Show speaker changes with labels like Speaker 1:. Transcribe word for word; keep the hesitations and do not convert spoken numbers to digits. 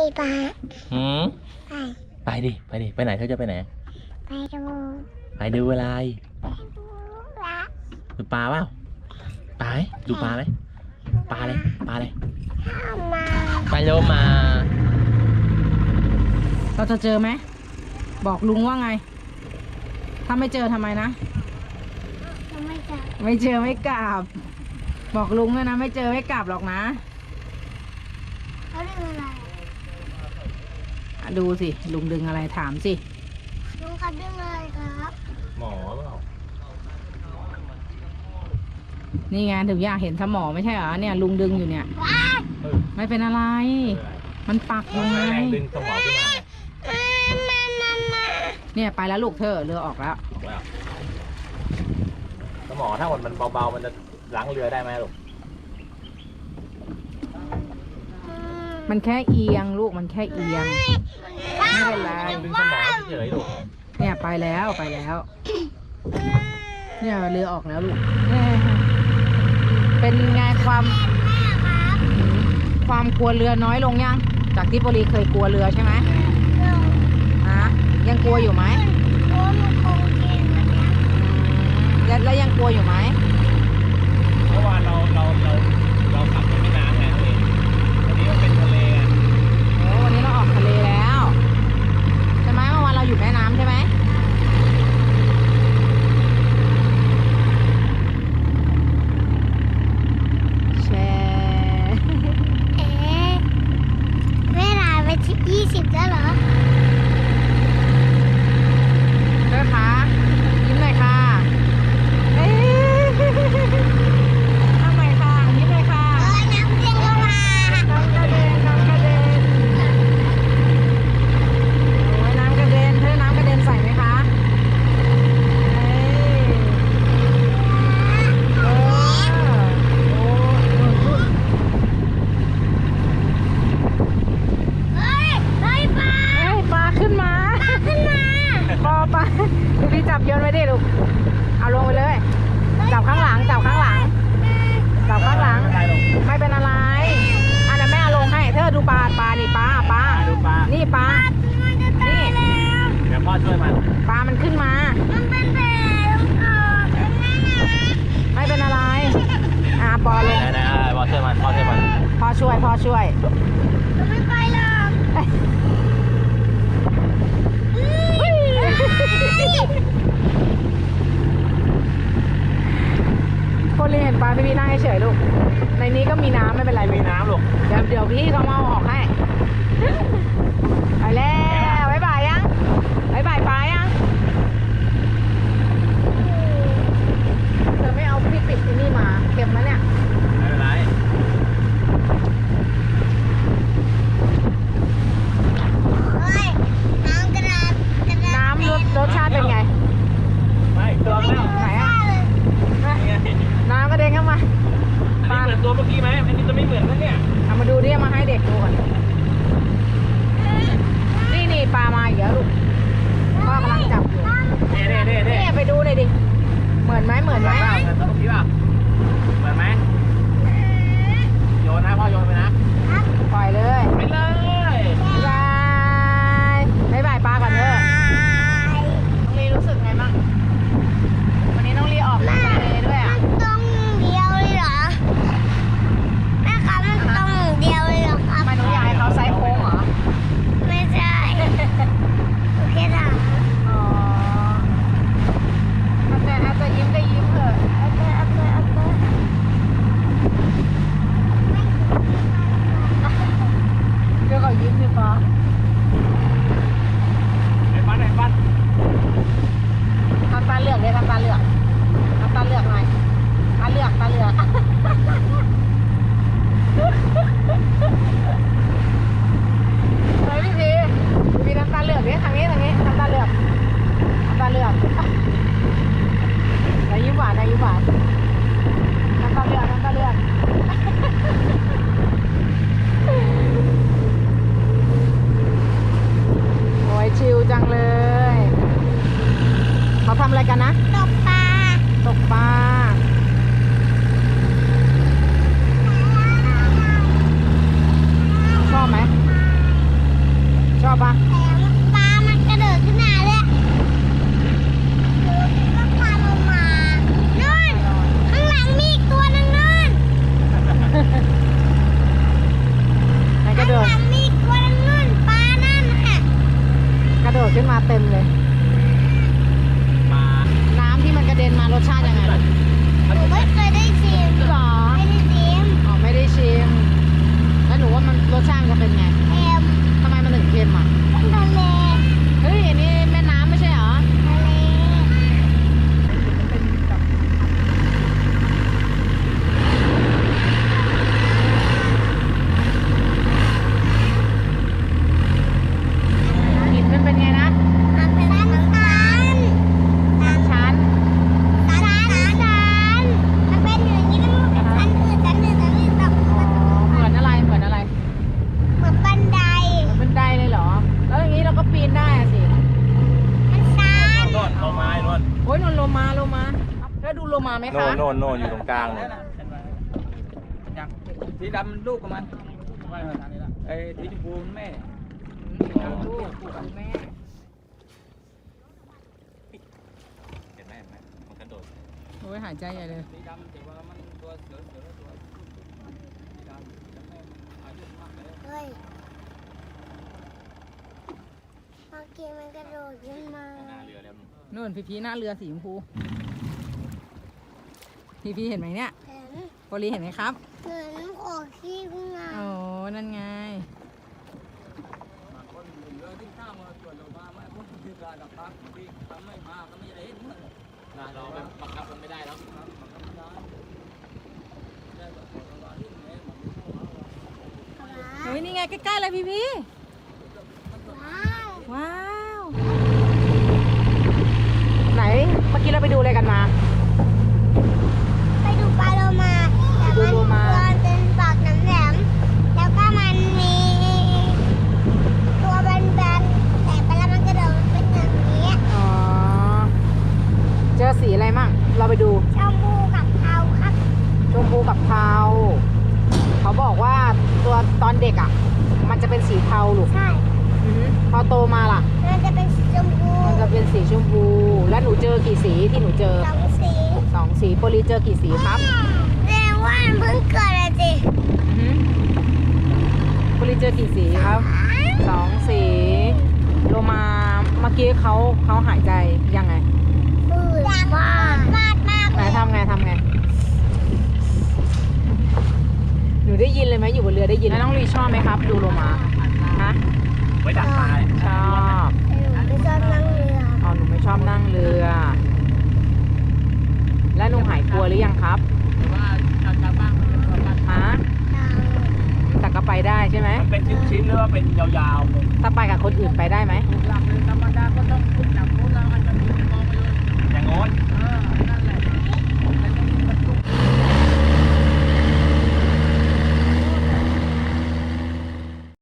Speaker 1: ปะ
Speaker 2: หืม
Speaker 1: ไป
Speaker 2: ไปดิไปดิไปไหนเธอจะไปไหน
Speaker 1: ไปดู
Speaker 2: ไปดูอะไร
Speaker 1: ไปดูละ
Speaker 2: ดูปลาเปล่าปลาไหมดูปลาไหมปลาเลยปลาเลย
Speaker 1: ข้ามา
Speaker 2: ไปโลมา
Speaker 3: เราจะเจอไหมบอกลุงว่าไงถ้าไม่เจอทำไมนะ
Speaker 1: ไม่จับ
Speaker 3: ไม่เจอไม่กลับบอกลุงเลยนะไม่เจอไม่กลับหรอกนะ
Speaker 1: เขาเรียกอะไร
Speaker 3: อ่ะดูสิลุงดึงอะไรถามสิ
Speaker 1: ลุงเขาเรียกอะไรครับ
Speaker 2: หมอเปล่า
Speaker 3: นี่ไงถึงอยากเห็นสมอไม่ใช่เหรอเนี่ยลุงดึงอยู่เนี่ยไม่เป็นอะไรมันปักยังไง
Speaker 2: ดึงสมอขึ้นมา
Speaker 3: เนี่ยไปแล้วลูกเธอเรือออกแล้ว
Speaker 2: สมอถ้าหมดมันเบาๆมันจะล้างเรือได้ไหมลูก
Speaker 3: มันแค่เอียงลูกมันแค่เอียงไม่เป็นไร
Speaker 2: ดึงสมอเฉยๆลูก
Speaker 3: เนี่ยไปแล้วไปแล้วเนี่ยเรือออกแล้วลูกเป็นไงความความกลัวเรือน้อยลงยังจากที่ปรีเคยกลัวเรือใช่ไหมฮะยังกลัวอยู่ไหมแล้วแล้วยังกลัวอยู่ไหม
Speaker 2: เมื่อวานเราเราเราเราขับไปแม่น้ำไงเองวันนี้มันเป็นทะเลอ่ะ
Speaker 3: โอ้วันนี้เราออกทะเลแล้วใช่ไหมเมื่อวานเราอยู่แม่น้ำใช่ไหมแชร์
Speaker 1: เอ๊ะเวลาไปที่ยี่สิบแล้วเหรอ
Speaker 3: เด้อค่ะยิ้มหน่อยค่ะเอ๊ะทำไมค่ะยิ้มหน่อยค่ะ
Speaker 1: เอ้ยน้ำเด้งเข้ามา
Speaker 3: น้ำกระเด็นน้ำกระเด็นโอ้ยน้ำกระเด็นเธอน้ำกระเด็นใส่ไหมคะเอ้ยเออโอ้ย
Speaker 1: เฮ้ยเฮ้ยปลา
Speaker 3: เอ้ยปลาขึ้นมา
Speaker 1: ปลาขึ้นมา
Speaker 3: ปอปลาดูพี่จับโยนไว้ดิลูกเอาลงไปเลยจับข้างหลังจับข้างหลังจับข้างหลังไม่เป็นอะไรอันนั้นแม่เอาลงให้เธอดูปลาปลานี่ปลาปลา
Speaker 2: ดูปลา
Speaker 3: นี่ปลา
Speaker 1: มันจะตายแล้ว
Speaker 2: เดี๋ยวพ่อช่วยมัน
Speaker 3: ปลามันขึ้นมา
Speaker 1: มันเป็นแผลออกนั่นน่ะ
Speaker 3: ไม่เป็นอะไรอ่าปอลง
Speaker 2: ไหนๆพ่อช่วยมันพ่อช่วยมัน
Speaker 3: พ่อช่วยพ่อช่วย
Speaker 1: มันไม่ไปหรอก
Speaker 3: คนเรียนปลาพี่พี่นั่งเฉยๆลูกในนี้ก็มีน้ำไม่เป็นไร
Speaker 2: มีน้ำลูก
Speaker 3: เดี๋ยวเดี๋ยวพี่เขามาเอาออกให้ไปแล้วบ๊ายบายยังบ๊ายบายปลายังเธอไม่เอาพี่ปิดที่นี่มาเค็มไหมเนี่ย
Speaker 2: ไม่เป็นไร
Speaker 1: เฮ้ยน้ำกระดาษกระดาษ
Speaker 3: น้ำรสรสชาติเป็นไง
Speaker 2: ไม่ตัวแล้ว
Speaker 3: ไหนอ่ะน้ำกระเด็นเข้ามา
Speaker 2: อันนี้เหมือนตัวเมื่อกี้ไหมอันนี้จะไม่เหมือนนะเนี่ย
Speaker 3: เอามาดูดิมาให้เด็กดูก่อนนี่นี่ปลามาอีกแล้วลูกพ่อกำลังจับอยู่
Speaker 2: เน่เน่เน่เน่
Speaker 3: นี่ไปดูเลยดิเหมือนไหมเหมือนไหม
Speaker 2: เหมือนตัวเมื่อกี้ป่ะเหมือนไหมโยนนะพ่อโยนไปนะ
Speaker 3: ปล่อยเลย
Speaker 2: ไปเลย
Speaker 3: บ๊ายบายบ๊ายบายปลาก่อนเถอะน้องลีรู้สึกไงบ้างวันนี้น้องลีออกทะเลด้วยอ่ะ
Speaker 1: มันตรงเดียวเลยเหรอแม่คะมันตรงเดียวเลยเหรอครับ
Speaker 3: ทำไมหนูอยากให้เขาไซส์โค้งเหรอ
Speaker 1: ไม่ใช่โอเคค่ะ
Speaker 3: อ๋อแต่อาจจะยิ้มก็ยิ้มเถอะ
Speaker 1: โอเคโอเคโอเค
Speaker 3: เดี๋ยวเขายิ้มสิปอ
Speaker 2: ไอ้ปั้นไอ้ปั้น
Speaker 3: ทำตาเหลือกเลยทำตาเหลือกทำตาเหลือกหน่อยตาเหลือกตาเหลือกเฮ้ยพี่พีพี่ทำตาเหลือกดิทางนี้ทางนี้ทำตาเหลือกทำตาเหลือกนายยิ้มหวานนายยิ้มหวานทำตาเหลือกทำตาเหลือกปะ
Speaker 1: แต่ปลามันกระโดดขึ้นมาเลยก็พาลงมานู่นข้างหลังมีอีกตัวนึงนู่น
Speaker 3: ไหนกระ
Speaker 1: ข้าง
Speaker 3: โด
Speaker 1: ห
Speaker 3: ด
Speaker 1: ลังมีอีกตัวนึงนู่นปลานั่นน่ะ
Speaker 3: กระโดดขึ้นมาเต็มเลย
Speaker 2: ปลา
Speaker 3: น้ำที่มันกระเด็นมารสชาติยังไงลูก
Speaker 1: หนูไม่เคยได้ชิม
Speaker 3: หรอ
Speaker 1: ไม่ได้ชิม
Speaker 3: อ๋อไม่ได้ชิม แล้วหนูว่ามันรสชาติมันจะเป็นไง
Speaker 1: เค็ม
Speaker 3: ทำไมมันถึงเค็มอ่ะ
Speaker 1: ทะเล
Speaker 3: เฮ้ยอันนี้แม่น้ำไม่ใช่เหรอ
Speaker 1: ทะเล
Speaker 3: หินมันเป็นไงนะ
Speaker 1: มันเป็นชั้นชั้น
Speaker 3: ชั้น
Speaker 1: ชั้นชั้นมันเป็นอย่างนี้นะชั้นอื่นชั้นอื่นชั้นอื่นแบบ
Speaker 3: อ๋อ เหมือนอะไร เหมือนอะไร
Speaker 1: เหมือนบันได
Speaker 3: เหมือนบันไดเลยเหรอ แล้วอย่างนี้เราก็ปีนได้อะสิ
Speaker 1: มันชัน
Speaker 2: โน่นลงมาไอ้โน่น
Speaker 3: โอ้ยนนโลมาโลมาแล้วดูโลมาไหม
Speaker 2: โน่
Speaker 3: คะ
Speaker 2: นโน่นโน่นอยู่ตรงกลางเนี่ย
Speaker 4: สีดำลูกของมันไอ้สีชมพูแม่
Speaker 3: ลูกของแม่
Speaker 2: เห็นไหมเห็นไหมมันกระโดด
Speaker 3: โอ้ยหายใจใหญ่เลย
Speaker 4: สีดำแต่ว่ามันตัวเสือเสือตัวสีดำแต่แม่มันอายุมากเลย
Speaker 1: เฮ้ยเมื่อกี้มันกระโดดขึ้นมา
Speaker 2: หน้าเรือแล้ว
Speaker 3: นู่นพี่พีหน้าเรือสีชมพูพี่พีเห็นไหมเนี่ย
Speaker 1: เห็น
Speaker 3: โปลีเห็นไหมครับ
Speaker 1: เหมือนออกขี้ขึ้นมา
Speaker 3: โอ้นั่นไง
Speaker 4: บางคนเรือที่ข้ามมาตรวจลงมาไม่พ้นที่การดับพักที่ทำไม่มาก็ไม่ได้เห็นเหมือน
Speaker 2: นะเราแบบบังคับมันไม่ได้แล้ว
Speaker 4: ครับมันก็ไม่ได้ได้แบบว่าที่ไหนมัน
Speaker 3: เฮ้ยนี่ไงใกล้ๆเลยพี่พี
Speaker 1: ว้าว
Speaker 3: ว้าว ไหนเมื่อกี้เราไปดูอะไรกันมา
Speaker 1: ไปดูปลาโลมาแต่
Speaker 3: ดู
Speaker 1: มัน
Speaker 3: โลมา
Speaker 1: ตัวเป็นปากน้ำแหลมแล้วก็มันมีตัวแบนๆแต่เวลามันกระโดดมันเป็นอย่างนี้
Speaker 3: อ๋อ เจอสีอะไรมั่ง เราไปดู
Speaker 1: ชมพูกับเทาครับ
Speaker 3: ชมพูกับเทา เขาบอกว่าตัวตอนเด็กอ่ะ มันจะเป็นสีเทาลูก
Speaker 1: ใช่
Speaker 3: อือหือพอโตมาล่ะ
Speaker 1: มันจะเป็นสีชมพู
Speaker 3: มันจะเป็นสีชมพู แล้วหนูเจอกี่สีที่หนูเจอ
Speaker 1: สองสี
Speaker 3: สองสีโปลีเจอกี่สีครับ
Speaker 1: แสดงว่ามันเพิ่งเกิดอะสิ
Speaker 3: อือหือโปลีเจอกี่สีครับ สองสี โลมาเมื่อกี้เขาเขาหายใจยังไง
Speaker 1: อืดมากมากมาก
Speaker 3: ไหนทำไงทำไง หนูได้ยินเลยไหมอยู่บนเรือได้ยินแล้วน้องลีชอบไหมครับ ดูโลมาฮะ
Speaker 2: ไว้ดักปลา
Speaker 3: ชอบ
Speaker 1: ไม่ชอบนั่งเรือ
Speaker 3: อ๋อหนูไม่ชอบนั่งเรือ แล้วหนูหายกลัวหรือยังครับ
Speaker 4: แต่ว่าจากจากบ้านมันเป็นประมาณ
Speaker 3: ฮะแต่ก็ไปได้ใช่ไหม
Speaker 2: มันเป็นชิ้นๆหรือว่าเป็นยาวๆเลย
Speaker 3: ถ้าไปกับคนอื่นไปได้ไหม
Speaker 4: หลักเลยธรรมดาก็ต้องขึ้นหลังนู้นแล้วอาจจะมีมองไปเลย
Speaker 2: อย่างโน้น
Speaker 4: เออ